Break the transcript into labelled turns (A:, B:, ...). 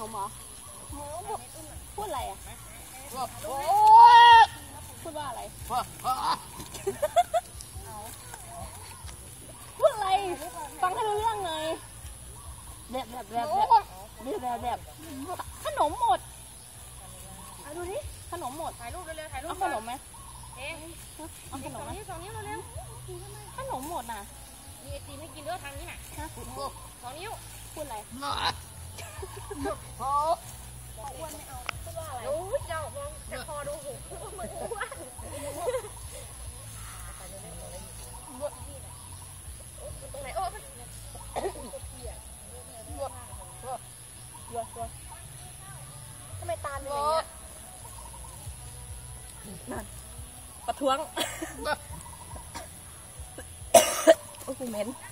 A: มเหรอพูดอะไรอ่ะพูดว่าอะไรพูดอะไรฟังให้รู้เรื่องเลยแบบขนมหมดดูดิขนมหมดถ่ายรูปเร็วๆถ่ายรูปเอาขนมไหมเอาขนมไหม2 นิ้วเร็วๆขนมหมดน่ะมีไอติมให้กินด้วยทางนี้น่ะ2 นิ้วพูดอะไรอ้วนไม่เอาพูดว่าอะไรโอ้ยเจ้ามองแต่คอดูหูเหมือนอ้วนตรงไหนโอ้ทำไมตาเป็นอย่างเงี้ยนั่นประท้วงโอ้ยเหม็น